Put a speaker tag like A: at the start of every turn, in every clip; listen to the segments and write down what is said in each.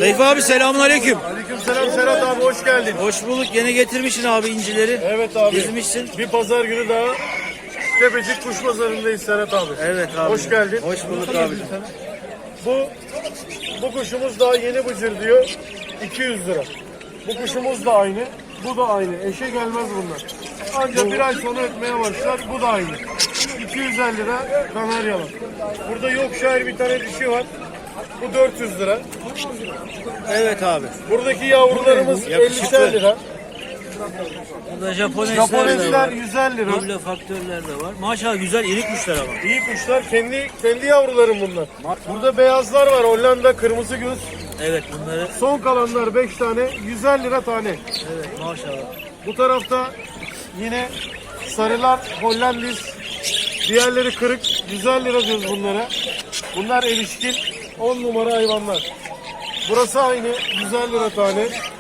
A: Seyfi abi selamünaleyküm.
B: Aleykümselam Serhat abi, hoş geldin.
A: Hoş bulduk. Yine getirmişsin abi incileri.
B: Evet abi.
A: Dizmişsin.
B: Bir pazar günü daha Tepecik Kuş Pazarı'ndayız Serhat abi.
A: Evet abi.
B: Hoş geldin.
A: Hoş bulduk abi.
B: Bu kuşumuz daha yeni bıcır diyor. 200 lira. Bu kuşumuz da aynı. Bu da aynı. Eşe gelmez bunlar. Ancak bir ay sonra ötmeye başlar. Bu da aynı. 250 lira Kanaryalı. Burada Yorkshire bir tane dişi var. Bu 400 lira.
A: Evet abi.
B: Buradaki yavrularımız
A: Yakışıklı.
B: 50 lira.
A: Burada Japonesler de
B: Japonesler
A: var.
B: 150 lira.
A: Duble faktörler de var. Maşallah güzel iri kuşlar ama.
B: İyi kuşlar. Kendi yavrularım bunlar. Burada beyazlar var. Hollanda kırmızı göz.
A: Evet bunları.
B: Son kalanlar 5 tane. 150 lira tane.
A: Evet maşallah.
B: Bu tarafta yine sarılar Hollandis. Diğerleri kırık. 150 lira diyoruz bunlara. Bunlar erişkin. 10 numara hayvanlar. Burası aynı. 150 lira tane.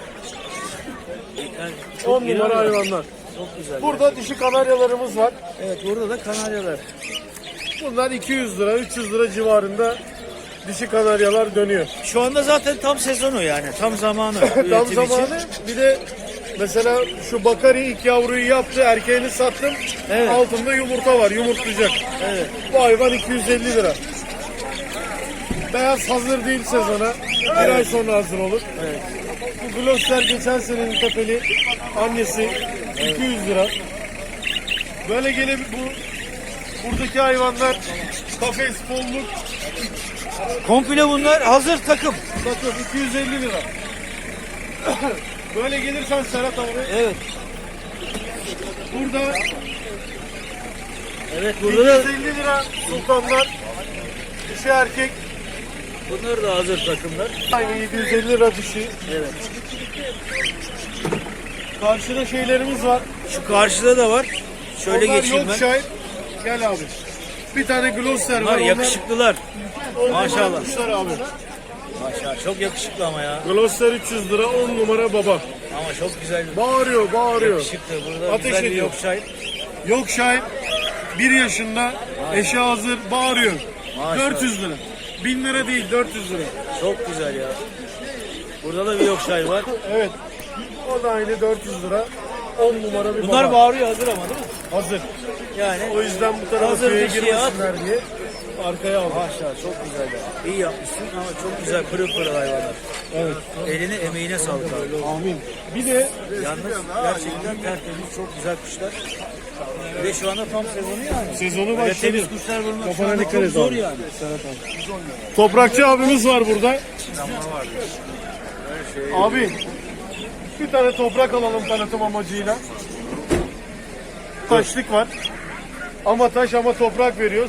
A: Yani
B: 10
A: iri
B: numara
A: ama
B: hayvanlar.
A: Çok güzel.
B: Burada dişi kanaryalarımız var.
A: Evet burada da kanaryalar.
B: Bunlar 200 lira, 300 lira civarında dişi kanaryalar dönüyor.
A: Şu anda zaten tam sezonu yani. Tam zamanı.
B: Tam
A: üretim için.
B: zamanı. Bir de mesela şu Bakari ilk yavruyu yaptı, erkeğini sattım.
A: Evet.
B: Altında yumurta var, yumurtlayacak.
A: Evet.
B: Bu hayvan 250 lira. Beyaz hazır değil sezona. Bir ay sonra hazır olur.
A: Evet.
B: Bu Gloster geçen senenin tepeli annesi 200 lira. Böyle gene buradaki hayvanlar kafes, polluk,
A: Komple bunlar hazır takım.
B: bakın 250 lira. Böyle gelirsen Serhat abi.
A: Evet.
B: Burada
A: Evet burada da
B: 250 lira sultanlar. Dişi erkek.
A: bunlar da hazır takımlar.
B: Aynı 750 lira dişi.
A: Evet.
B: Karşıda şeylerimiz var.
A: Şu karşıda da var. Şöyle
B: Onlar
A: geçeyim ben.
B: Yorkshire. Gel abi. Bir tane Gloster
A: Bunlar
B: var.
A: yakışıklılar.
B: Onlar
A: Maşallah.
B: kuşlar abi.
A: Maşallah çok yakışıklı ama ya.
B: Gloster 300 lira 10 numara baba.
A: Ama çok güzel.
B: Bağırıyor.
A: Yakışıklı. Burada
B: Ateş
A: güzel bir
B: ediyor.
A: Yorkshire.
B: Yorkshire 1 yaşında eşi hazır bağırıyor.
A: Maşallah.
B: 400 lira. 1000 lira değil 400 lira.
A: Çok güzel ya. Burada da bir Yorkshire var.
B: Evet. O da aynı 400 lira. 10 numara bir
A: Bunlar
B: baba.
A: bağırıyor hazır ama değil mi?
B: Hazır.
A: Yani
B: O yüzden bu tarafa
A: hazır
B: köye
A: dişiye at.
B: girmesinler diye arkaya aldım.
A: Maşallah çok güzel ya. İyi yapmışsın ama çok güzel pırıl pırıl hayvanlar.
B: Evet.
A: Eline emeğine sağlık abi.
B: Amin. Bir de
A: Yalnız gerçekten tertemiz çok güzel kuşlar. Ve şu anda tam sezonu yani.
B: sezonu
A: Böyle
B: başladı.
A: temiz kuşlar bulmak şu
B: Kafana
A: anda
B: dikkat
A: çok
B: et
A: zor
B: abi.
A: yani.
B: Toprakçı abimiz var burada. Abi bir tane toprak alalım tanıtım amacıyla. Taşlık var. Ama taş ama toprak veriyoruz.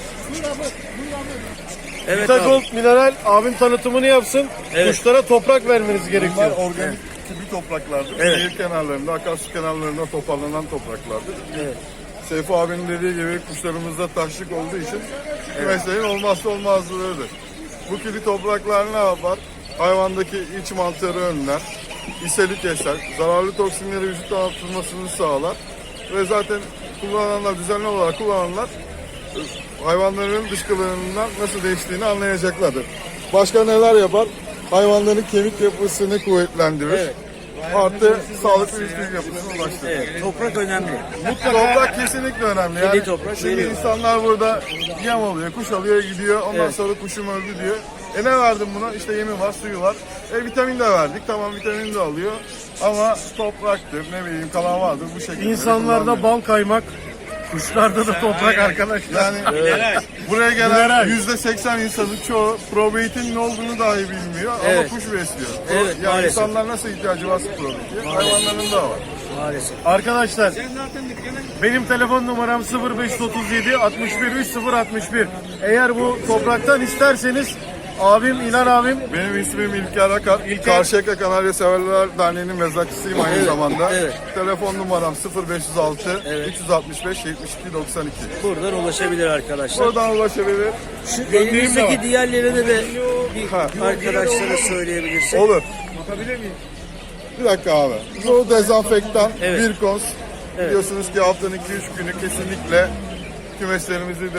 A: Evet
B: Vita
A: abi.
B: Gold mineral abim tanıtımını yapsın.
A: Evet.
B: Kuşlara toprak vermeniz gerekiyor.
C: Bunlar organik tipi topraklardır.
A: Evet.
C: Nehir kenarlarında, akarsu kenarlarında toparlanan topraklardır.
A: Evet.
C: Seyfi abinin dediği gibi kuşlarımızda taşlık olduğu için mesleğin olmazsa olmazlarıdır. Bu gibi topraklar ne yapar? Hayvandaki iç mantarı önler, ishali keser, zararlı toksinleri vücuttan atılmasını sağlar ve zaten kullananlar, düzenli olarak kullananlar hayvanların dışkılarından nasıl değiştiğini anlayacaklardır. Başka neler yapar? Hayvanların kemik yapısını kuvvetlendirir.
A: Evet.
C: Artı sağlıklı bir kemik yapısına ulaştırır.
A: Evet, toprak önemli.
C: Toprak kesinlikle önemli. Yani
A: toprak
C: şimdi
A: veriyor.
C: insanlar burada yem alıyor, kuş alıyor, gidiyor. Ondan
A: Evet.
C: sonra kuşum öldü diyor. Ne verdim buna? İşte yemi var, suyu var. Vitamin de verdik. Tamam vitamin de alıyor. Ama topraktır, ne bileyim kalan vardır bu şekilde.
B: İnsanlarda bal kaymak, kuşlarda da toprak arkadaşlar.
C: Yani buraya gelen %80 insanın çoğu probiyotin ne olduğunu dahi bilmiyor
A: Evet.
C: ama kuş besliyor.
A: Evet,
C: Yani
A: maalesef.
C: insanlar nasıl ihtiyacı varsa probiyotiye, hayvanların da var.
A: Maalesef.
B: Arkadaşlar benim telefon numaram 0537 61 30 61. Eğer bu topraktan isterseniz abim İlhan abim
C: Benim ismim İlker Akar. Karşıyaka Kanarya Severler Derneği'nin mezrakçısıyım aynı zamanda.
A: evet.
C: Telefon numaram 0506
A: Evet.
C: 365 72 92.
A: Buradan ulaşabilir arkadaşlar.
C: Buradan ulaşabilir.
A: Şu
B: de
A: elimizdeki
B: var.
A: diğerlerine de bir
C: Ha.
A: arkadaşlara söyleyebilirsin.
C: Olur.
B: bakabilir miyim?
C: Bir dakika abi. Bu dezenfektan,
A: Evet.
C: Virkons. Biliyorsunuz ki haftanın 2-3 günü kesinlikle kümeslerimizi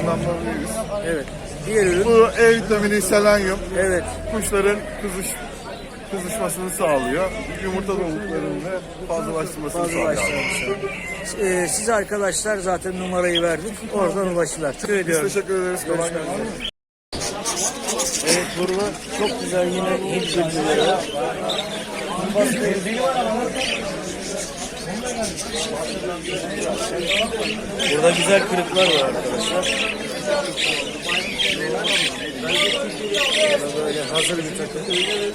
C: dezenfektanlanmalıyız.
A: Evet. Diğer ürün.
C: Bu E vitamini, selenyum.
A: Evet.
C: Kuşların kızış kızışmasını sağlıyor. Yumurta doluluklarını fazlalaştırmasını sağlıyor.
A: Siz arkadaşlar zaten numarayı verdik. Oradan ulaşırlar. Teşekkür
C: Biz
A: ediyorum.
C: teşekkür ederiz. Kolay gelsin.
A: Evet, burada çok güzel yine Hint bülbülleri var. Burada güzel kırıklar var arkadaşlar. Burada böyle hazır bir takım.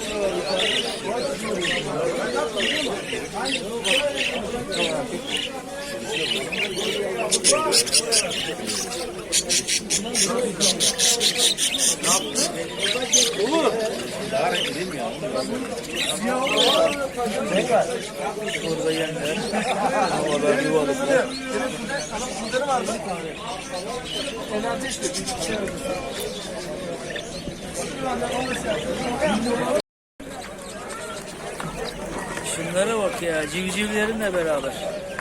A: Burada yemler, havalar, yuvalıklar. Şunlara bak ya, civcivlerinle beraber.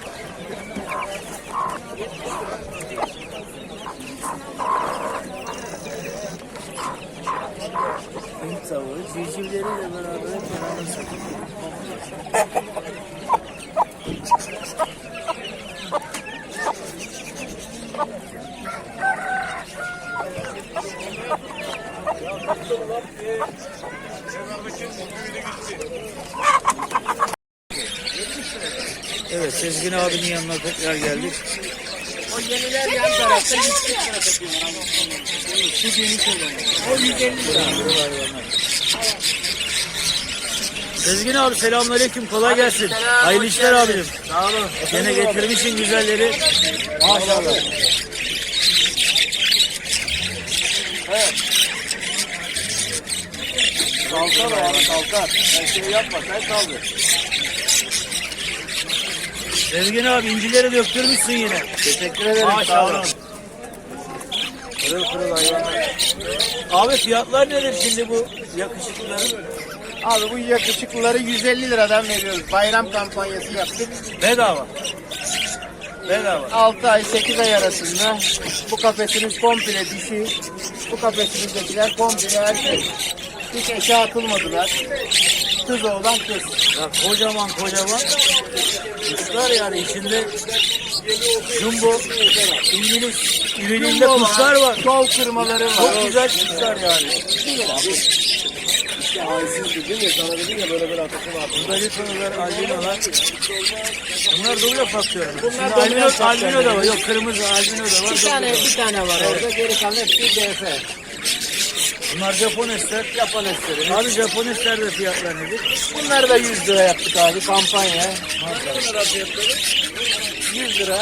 A: Hint tavuğu civcivleriyle beraber hep beraber satılıyor. Evet, Sezgin abinin yanına tekrar geldik.
D: O yeniler yan tarafta 140 lira satıyorlar. Şu yeni söylüyorum. O 150 lira.
A: Sezgin abi selamünaleyküm, kolay gelsin. Hayırlı işler abicim.
D: Sağ olun.
A: Gene getirmişsin güzelleri. Maşallah.
D: Kalkar abi kalkar. Sen şey yapma sen kaldır.
A: Sezgin abi incileri döktürmüşsün yine.
D: Teşekkür ederim.
A: Maşallah. Pırıl pırıl hayvanlar. Abi fiyatlar nedir şimdi bu yakışıklıların?
D: Abi bu yakışıklıları 150 liradan veriyoruz. Bayram kampanyası yaptık.
A: Bedava. Bedava.
D: 6 ay 8 ay arasında bu kafesimiz komple dişi. Bu kafesimizdekiler komple erkek. Hiç eşe atılmadılar. Kız oğlan kız.
A: Ya kocaman kocaman kuşlar yani içinde jumbo İngiliz ürününde kuşlar var.
D: Kol kırmaları var.
A: Çok güzel kuşlar yani.
D: İşte ağzını dedim ya sana dedim ya böyle atasın abi.
A: Burada lütfenler, albinolar. Bunlar doble patlıyor.
D: Bunlar
A: Şimdi
D: doble patlıyor.
A: albino da var. Yok kırmızı albino da var.
D: Bir tane var orada. Geri kalan hepsi DF.
A: Bunlar Japonesler.
D: Japon eseri.
A: Abi Japoneslerde fiyatlar nedir?
D: Bunları da 100 lira yaptık abi kampanya. 100 lira.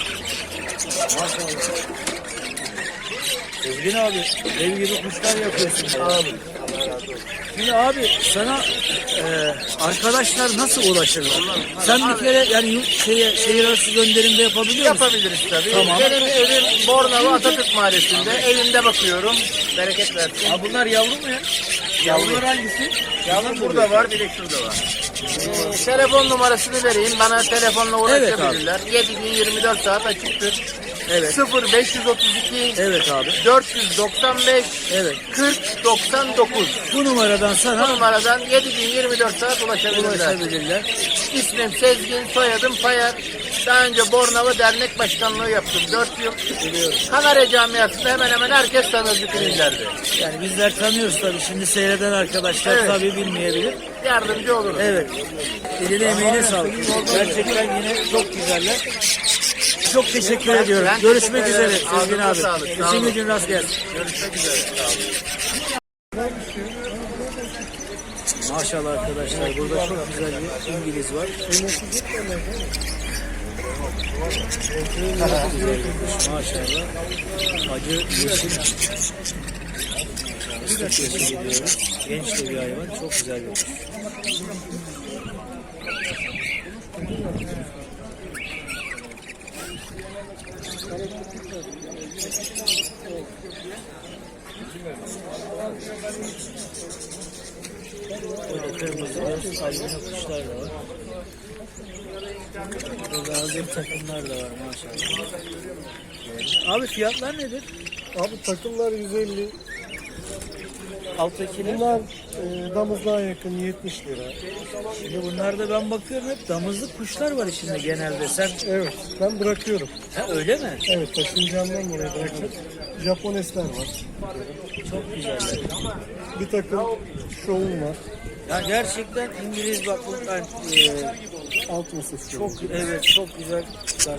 A: Sezgin abi ev gibi kuşlar yapıyorsun. Abi. Şimdi abi sana arkadaşlar nasıl ulaşırlar? Sen bir kere yani şehir arası gönderimde yapabiliyor musun?
D: Yapabiliriz tabii.
A: Tamam.
D: Benim evim Bornova Atatürk Mahallesi'nde. Evimde bakıyorum. Bereket versin.
A: Ha bunlar yavru mu ya? Yavrular hangisi?
D: Yavrum burada var, bir de şurada var. Telefon numarasını vereyim. Bana telefonla ulaşabilirler. 7 gün 24 saat açıktır.
A: Evet.
D: 0532
A: Evet abi.
D: 495
A: Evet.
D: 40 99.
A: Bu numaradan
D: Bu
A: sana
D: numaradan 7 gün 24 saat ulaşabilirler.
A: ulaşabilirler.
D: İsmim Sezgin, soyadım Payar. Daha önce Bornova Dernek Başkanlığı yaptım 4 yıl. Kanarya Camiası'nda hemen hemen herkes tanır bütün illerde.
A: Yani bizler tanıyoruz tabii. Şimdi seyreden arkadaşlar
D: Evet.
A: tabii bilmeyebilir.
D: Yardımcı olurum.
A: Evet. Eline emeğine sağlık. Gerçekten yine çok güzeller. Çok teşekkür ediyorum.
D: Ben
A: Görüşmek
D: teşekkür
A: üzere
D: ederim.
A: Sezgin
D: Ağzınıza
A: abi.
D: sağlık. Sağ
A: İşin
D: olun.
A: gücün rast gelsin.
D: Görüşmek üzere. Sağ olun.
A: Maşallah arkadaşlar burada çok güzel bir İngiliz var. Çok güzel bir kuş, maşallah. Acı yeşil. Fıstık yeşili diyoruz. Genç de bir hayvan. Çok güzel bir kuş. Burada kırmızı göz, albino kuşlar da var. Burada hazır takımlar da var maşallah. Abi fiyatlar nedir?
B: Abi takımlar 150.
A: Alttakiler
B: Bunlar Damızlığa yakın 70 lira.
A: Şimdi bunlarda ben bakıyorum hep damızlık kuşlar var içinde genelde. Sen
B: Evet, ben bırakıyorum.
A: ha, öyle mi?
B: Evet, taşınacağımdan dolayı bırakıyorum. Japonesler var.
A: Çok güzeller.
B: Bir takım şovum var.
A: Ya gerçekten İngiliz bak bunlar
B: Alt masası.
A: çok evet çok güzel kuşlar.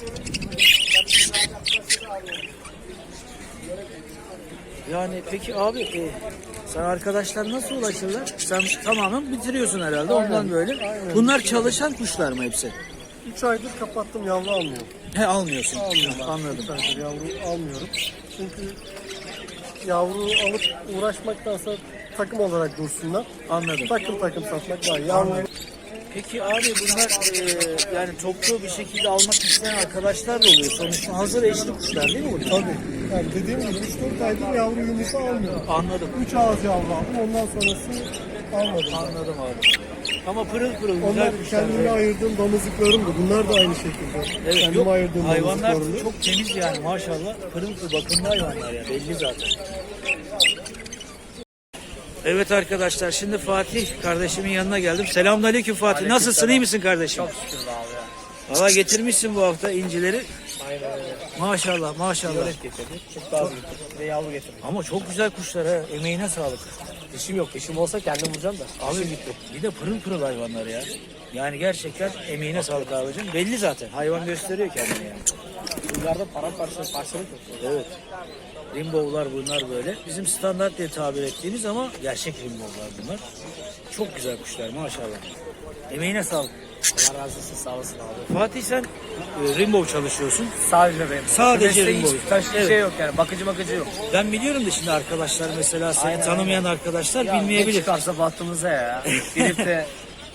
A: Yani peki abi sen arkadaşlar nasıl ulaşırlar? Sen tamamen bitiriyorsun herhalde ondan böyle.
B: aynen.
A: Bunlar çalışan kuşlar mı hepsi?
B: 3 aydır kapattım, yavru almıyorum.
A: He almıyorsun.
B: Almıyorum.
A: Anladım.
B: 3 aydır yavru almıyorum. Çünkü yavru alıp uğraşmaktansa takım olarak dursunlar.
A: Anladım.
B: Takım satmak daha iyi. Yavru
A: Peki abi bunlar yani toplu bir şekilde almak isteyen arkadaşlar da oluyor. Sonuçta hazır eşli kuşlar değil mi bunlar?
B: tabii. Yani dediğim gibi 3-4 aydır yavru yumurta almıyorum.
A: Anladım.
B: 3 ağız yavru aldım, ondan sonrası almadım.
A: Anladım abi. Ama pırıl pırıl
B: Onlar
A: güzel kuşlar.
B: kendime
A: böyle.
B: ayırdığım damızlıklarım da. Bunlar da aynı şekilde.
A: Evet,
B: Kendime
A: yok,
B: ayırdığım
A: hayvanlar
B: damızlıklarım da.
A: çok temiz yani maşallah. Pırıl pırıl bakımlı hayvanlar ya belli zaten. Evet arkadaşlar şimdi Fatih kardeşimin yanına geldim. Selamünaleyküm Fatih. Nasılsın iyi misin kardeşim?
D: Çok şükür abi ya.
A: Valla getirmişsin bu hafta incileri.
D: Aynen öyle.
A: Maşallah maşallah.
D: Yolet getirdik. Çok daha büyük getirdik. Ve yavru getirdik.
A: Ama çok güzel kuşlar ha. Emeğine sağlık.
D: Dişim yok. Dişim olsa kendim vuracağım da.
A: Abi bir de pırıl pırıl hayvanlar ya. Yani gerçekten emeğine sağlık abicim. Belli zaten. Hayvan gösteriyor kendini yani.
D: Bunlarda parçalık yok.
A: Evet. Rimbow'lar bunlar böyle. Bizim standart diye tabir ettiğimiz ama gerçek rimbow'lar bunlar. Çok güzel kuşlar maşallah. Emeğine sağlık.
D: Allah razı olsun, sağ olasın abi.
A: Fatih sen rimbow çalışıyorsun.
D: Sadece benim.
A: Sadece
D: Mesleği
A: Rimbo.
D: hiç taş
A: Evet.
D: şey yok yani. Bakıcı yok.
A: Ben biliyorum da şimdi arkadaşlar mesela seni
D: Aynen,
A: tanımayan arkadaşlar
D: Ya ne
A: bilmeyebilir.
D: çıkarsa bahtımıza ya. Gidip de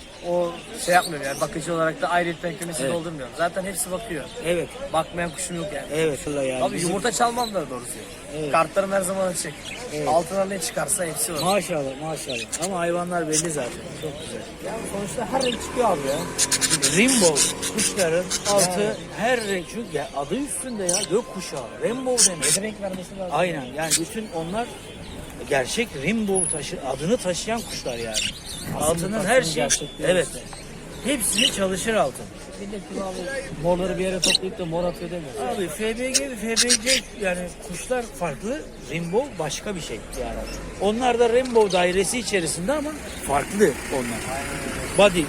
D: o şey yapmıyorum yani. Bakıcı olarak da ayrıyetten kümesi
A: Evet.
D: doldurmuyorum. Zaten hepsi bakıyor.
A: Evet.
D: Bakmayan kuşum yok yani.
A: Evet. Yani
D: Abi
A: bizim-
D: yumurta çalmam da doğrusu.
A: Evet.
D: Kartlarım her zaman açık. Altına ne çıkarsa hepsi var.
A: Maşallah maşallah. Ama hayvanlar belli zaten. Çok güzel.
D: Yani sonuçta her renk çıkıyor abi ya.
A: Rainbow kuşların altı her renk çünkü ya adı üstünde ya gök kuşağı. Rainbow demek.
D: Bir renk vermesi lazım.
A: Aynen yani bütün onlar gerçek rainbow adını taşıyan kuşlar yani. Altının her şey evet. Hepsini çalışır altın.
D: Millet gibi abi morları bir yere toplayıp da mor atıyor demiyor.
A: Abi FBG ve FBC yani kuşlar farklı, rainbow başka bir şey yani. Onlar da rainbow dairesi içerisinde ama farklı onlar. Body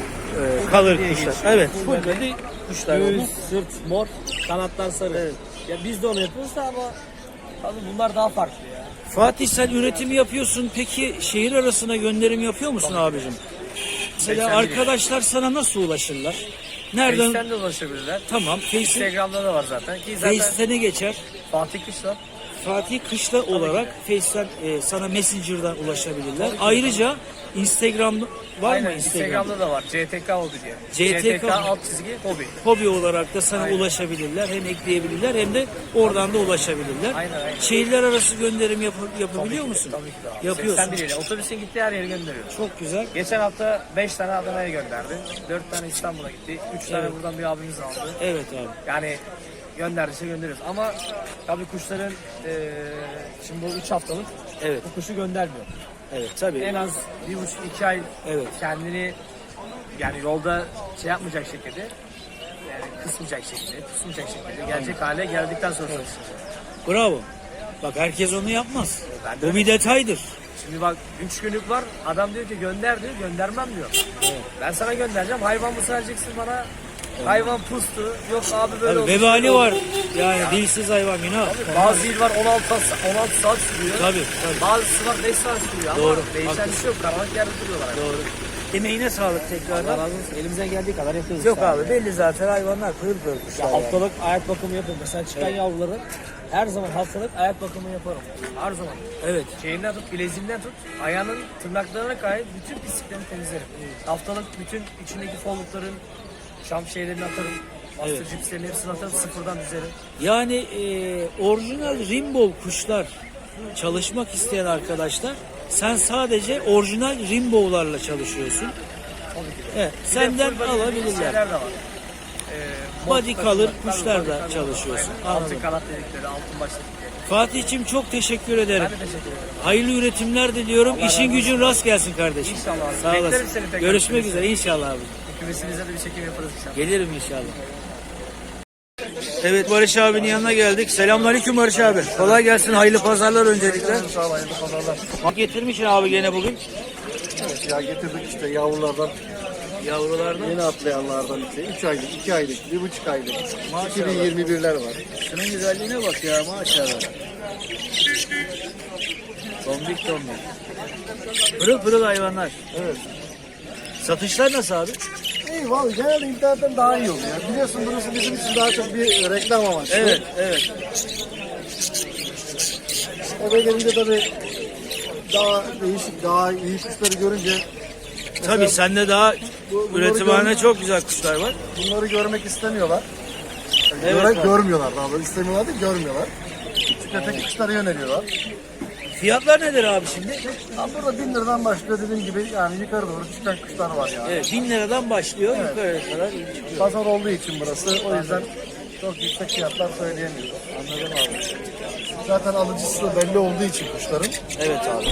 A: color
D: diye
A: kuşlar.
D: geçiyor.
A: Evet,
D: Full
A: full
D: body.
A: body kuşlar.
D: Göğüs,
A: onlar.
D: sırt, mor, kanatlar sarı. Ya biz de onu yapıyoruz da ama tabii bunlar daha farklı ya.
A: Fatih sen üretimi yapıyorsun. Peki şehir arasına gönderim yapıyor musun abicim? Mesela
D: 81.
A: arkadaşlar sana nasıl ulaşırlar? Nereden?
D: Face'ten de ulaşabilirler.
A: Tamam. Face'in
D: Instagram'da da var zaten. Ki zaten
A: Face'te ne geçer?
D: Fatih Kışla.
A: Fatih Kışla olarak Face'ten sana Messenger'dan ulaşabilirler. Ayrıca Instagram var mı
D: Aynen
A: Instagram?
D: Instagram'da da var. CTK Hobi diye.
A: CTK
D: alt çizgi hobi.
A: Hobi olarak da sana
D: Aynen.
A: ulaşabilirler. Hem ekleyebilirler hem de oradan da ulaşabilirler.
D: Aynen, aynen.
A: Şehirler arası gönderim yapabiliyor musun?
D: Tabii ki de abi.
A: Yapıyorsun.
D: 81 ile otobüsün gittiği her yere gönderiyoruz.
A: Çok güzel.
D: Geçen hafta 5 tane Adana'ya gönderdi. 4 tane İstanbul'a gitti. 3 tane buradan bir abimiz aldı.
A: Evet abi.
D: Yani gönderdiyse gönderiyoruz. Ama tabii kuşların şimdi bu 3 haftalık
A: Evet.
D: bu kuşu göndermiyor.
A: Evet tabii.
D: En az 1,5-2 ay
A: Evet.
D: kendini yani yolda şey yapmayacak şekilde yani kısmayacak şekilde, pusmayacak şekilde gelecek hale geldikten sonra çalışacağız.
A: Bravo. Bak herkes onu yapmaz.
D: Ben de
A: Bu bir detaydır.
D: Şimdi bak 3 günlük var. Adam diyor ki gönder diyor. Göndermem diyor. Ben sana göndereceğim. Hayvan mı vereceksin bana? Hayvan pustu. Yok abi böyle
A: Tabii
D: olmuş,
A: vebali
D: böyle
A: var.
D: olmuş.
A: Yani dilsiz hayvan günah.
D: Bazı il var 16 saat sürüyor.
A: Tabii, tabii.
D: Bazısı var 5 saat sürüyor.
A: Doğru,
D: Ama değişen bir şey yok. Karanlık yerde duruyorlar.
A: Doğru. Emeğine sağlık
D: Allah
A: tekrardan.
D: razı olsun. Elimizden geldiği kadar yapıyoruz.
A: Yok
D: işte
A: abi belli zaten hayvanlar pırıl pırıl kuşlar.
D: Ya
A: yani.
D: haftalık ayak bakımı yapıyorum. Mesela çıkan yavruların her zaman haftalık ayak bakımı yaparım. Her zaman.
A: Evet.
D: Şeyinden tut, bileziğinden tut, ayağının tırnaklarına kadar bütün pisliklerini temizlerim. Haftalık bütün içindeki follukların, şam şeylerini atarım. Bastır
A: Evet.
D: cipslerin hepsini atarım, sıfırdan düzerim.
A: Yani orijinal rainbow kuşlar çalışmak isteyen arkadaşlar sen sadece orijinal rainbow'larla çalışıyorsun.
D: Tabii ki de.
A: Evet,
D: Bir de
A: senden
D: full body dediğimiz
A: alabilirler.
D: şeyler de var.
A: body color kuşlarla çalışıyorsun. Anladım.
D: Altın kanat dedikleri, altın baş dedikleri.
A: Fatih'cim çok teşekkür ederim.
D: Ben de teşekkür ederim.
A: Hayırlı üretimler diliyorum. İşin gücün rast gelsin kardeşim.
D: İnşallah abi.
A: Sağ
D: Beklerim
A: olasın.
D: seni tekrar.
A: Görüşmek üzere inşallah abi.
D: Kümesinizde de bir çekim yaparız inşallah.
A: Gelirim inşallah. Evet, Barış abinin yanına geldik. Selamünaleyküm Barış abi. Kolay gelsin. Hayırlı pazarlar öncelikle.
B: Sağ ol, hayırlı pazarlar.
A: Getirmişsin abi gene bugün.
B: Evet ya, getirdik işte yavrulardan.
A: Yavrulardan.
B: Yeni atlayanlardan işte 3 aylık, 2 aylık, 1,5 aylık.
A: Maşallah.
B: 2021'ler var.
A: Şunun güzelliğine bak ya maşallah. Tombik tombik. Pırıl pırıl hayvanlar.
B: Evet.
A: Satışlar nasıl abi?
B: İyi vallahi genelde internetten daha iyi oluyor. Biliyorsun burası bizim için daha çok bir reklam amaçlı.
A: Evet, evet.
B: Eve gelince tabii daha değişik, daha iyi kuşları görünce
A: Tabii sende daha
B: bunları
A: üretimhane
B: gör-
A: çok güzel kuşlar var.
B: bunları görmek istemiyorlar. Yani
A: Evet, abi.
B: görmüyorlar daha doğrusu. İstemiyorlar değil, görmüyorlar. Çünkü öteki kuşlara yöneliyorlar.
A: Fiyatlar nedir abi şimdi?
B: Ha, burada 1000 liradan başlıyor dediğim gibi, yani yukarı doğru çıkan kuşlar var yani.
A: Evet, 1000 liradan başlıyor yukarı kadar çıkıyor.
B: Pazar olduğu için burası, o yüzden çok yüksek fiyatlar söyleyemiyoruz.
A: Anladım abi.
B: Zaten alıcısı da belli olduğu için kuşların.
A: Evet abi.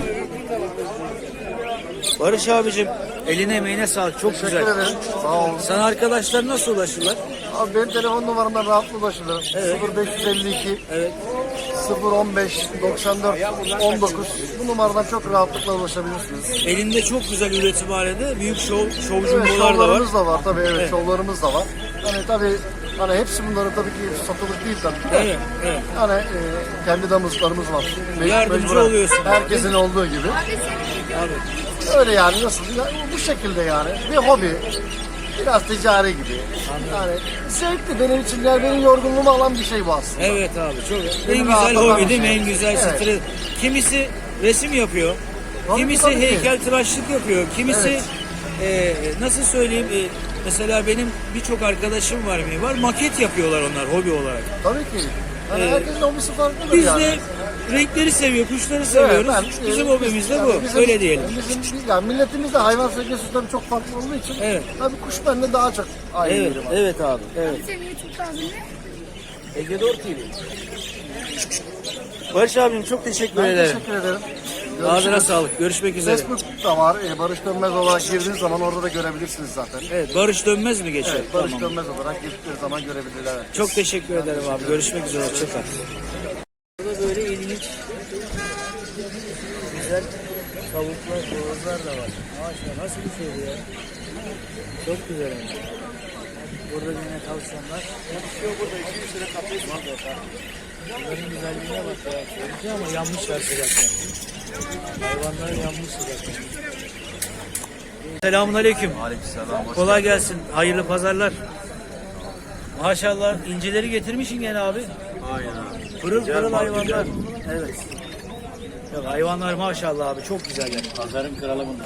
A: Barış abicim eline emeğine sağlık. Çok
B: Teşekkür
A: güzel.
B: ederim. Sağ olun.
A: Sana arkadaşlar nasıl ulaşırlar?
B: Abi benim telefon numaramdan rahatlıkla ulaşılır.
A: Evet.
B: 0552
A: Evet.
B: 015 94 19. Bu numaradan çok rahatlıkla ulaşabilirsiniz.
A: Elinde çok güzel üretimhanede büyük şov
B: Evet,
A: jumbolar da var.
B: şovlarımız da var tabii, evet, şovlarımız da var. Hani tabii hani hepsi bunların tabii ki satılık değil tabii. de.
A: Evet, evet.
B: Hani kendi damızlarımız var.
A: Yardımcı
B: Mecburen
A: oluyorsun.
B: Herkesin olduğu gibi.
A: Abi.
B: Öyle yani, nasıl? Ya, bu şekilde yani. Bir hobi. Biraz ticari gibi. Yani zevkli benim için, yani benim yorgunluğumu alan bir şey bu aslında.
A: Evet abi çok. En
B: Beni
A: güzel
B: rahatlatan
A: hobi
B: bir
A: değil mi?
B: şey.
A: En güzel
B: Evet.
A: stres. Kimisi resim yapıyor.
B: Tabii,
A: Kimisi
B: tabii ki.
A: heykeltıraşlık yapıyor. Kimisi
B: Evet.
A: nasıl söyleyeyim? Mesela benim birçok arkadaşım var mı? Var maket yapıyorlar onlar hobi olarak.
B: Tabii ki. Yani herkesin hobisi farklıdır
A: Biz
B: yani.
A: de renkleri seviyor, kuşları seviyoruz. Bizim hobimiz de bu.
B: bizim-
A: Öyle diyelim.
B: Yani milletimiz de hayvan sevgisi tabii çok farklı olduğu için
A: Evet.
B: tabii kuş bende daha çok aynı
A: Evet,
B: yerim var.
A: evet abi. Evet.
E: Senin YouTube kanalın ne?
A: Ege Doğru TV. Barış abim çok teşekkür
B: Ben
A: ederim.
B: teşekkür ederim.
A: Ağzına
B: Görüşürüz.
A: sağlık. Görüşmek üzere.
B: Facebook'ta var. Barış Dönmez olarak girdiğiniz zaman orada da görebilirsiniz zaten.
A: Evet, Barış Dönmez mi geçiyor?
B: Evet, Barış
A: Tamam.
B: Dönmez olarak girdikleri zaman görebilirler. Evet.
A: Çok teşekkür ederim abi. Görüşmek üzere. Hoşçakal. Burada böyle ilginç, güzel tavuklar, boğazlar da var. Maşallah nasıl bir şey bu ya? Çok güzel yani. Burada yine tavşanlar. Yok burada 200 lira kapıyız var da. Bunların güzelliğine bak ya. Güzel ama yanmışlar sıcaktan. Hayvanlar yanmış sıcaktan. Selamun aleyküm.
F: Aleykümselam.
A: Kolay gelsin. Hayırlı pazarlar. Maşallah incileri getirmişsin gene abi.
F: Aynen abi.
A: Pırıl
F: Güzel
A: pırıl
F: mal,
A: hayvanlar.
F: güzel.
A: Evet. Yok, hayvanlar maşallah abi çok güzeller.
F: Pazarın kralı bunlar.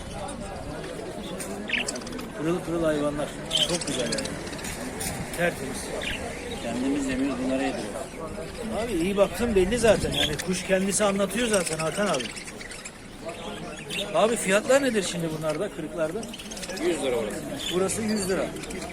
A: Pırıl pırıl hayvanlar. Çok güzeller. Tertemiz.
F: Kendimiz yemiyoruz, bunları yediriyoruz.
A: Abi iyi baktın belli zaten. Yani kuş kendisi anlatıyor zaten Hakan abi. Abi fiyatlar nedir şimdi bunlarda, kırıklarda?
F: 100 lira orası.
A: Burası 100 lira.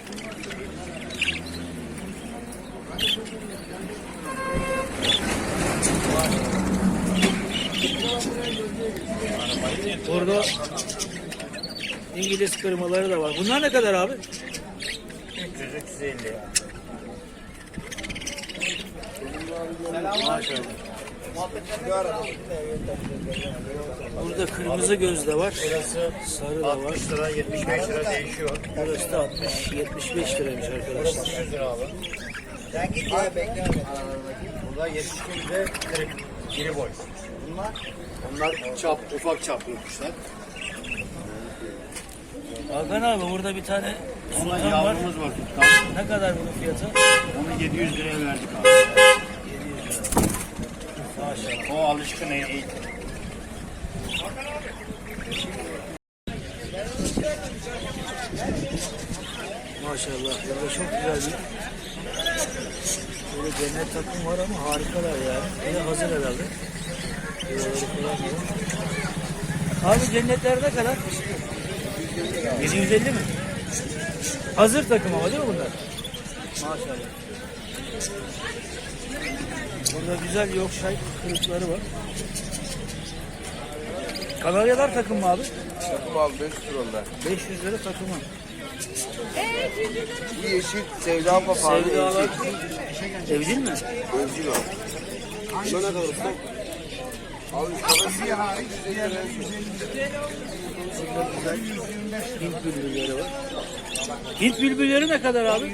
A: Burada İngiliz kırmaları da var. Bunlar ne kadar abi?
F: 300-350.
A: Maşallah. Burada kırmızı göz de var. Sarı da var.
F: 60 lira, 75 lira değişiyor.
A: Burası da 60-75 liraymış arkadaşlar.
F: 100 lira abi. Sen git ya bekle. Burada 72 de kırık. İri boy. Onlar çap, ufak çaplı kuşlar.
A: Hakan abi burada bir tane
F: Ondan
A: sultan var.
F: yavrumuz var tuttan.
A: Ne kadar bunun fiyatı?
F: Onu 700 liraya verdik abi.
A: 700 lira. Maşallah.
F: O alışkın iyi.
A: Maşallah. Burada çok güzel bir böyle cennet takım var ama harikalar yani. Bir de hazır herhalde. Buraları falan var. Abi cennetler ne kadar? 750 mi? Hazır takım ama değil mi bunlar? Maşallah. Burada güzel Yorkshire kırıkları var. Kanaryalar takım mı abi?
E: Takım abi 500 lira onlar.
A: 500 lira takımı.
E: Bu yeşil sevda papağanı
A: Sevdalar
E: evcil.
A: evcil mi?
E: Evcil o. Buna ne kadar usta? Abi parası hariç
A: Hint bülbülleri var. Hint bülbülleri ne kadar abi?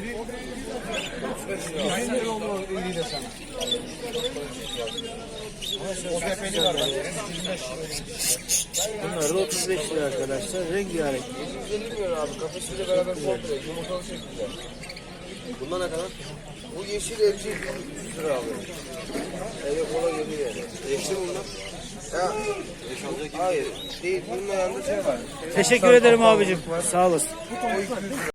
A: Bunlar da 35 lira arkadaşlar. Rengarenk.
E: 150 milyon abi. Kafesiyle beraber komple. Yumurtalı şekilde. Bunlar ne kadar? Bu yeşil evcil 100 lira abi. Eve kola geliyor yani. Yeşil bunlar. Ya. Hayır. Değil. Bunun yanında şey var.
A: Teşekkür ederim abicim. Sağ olasın.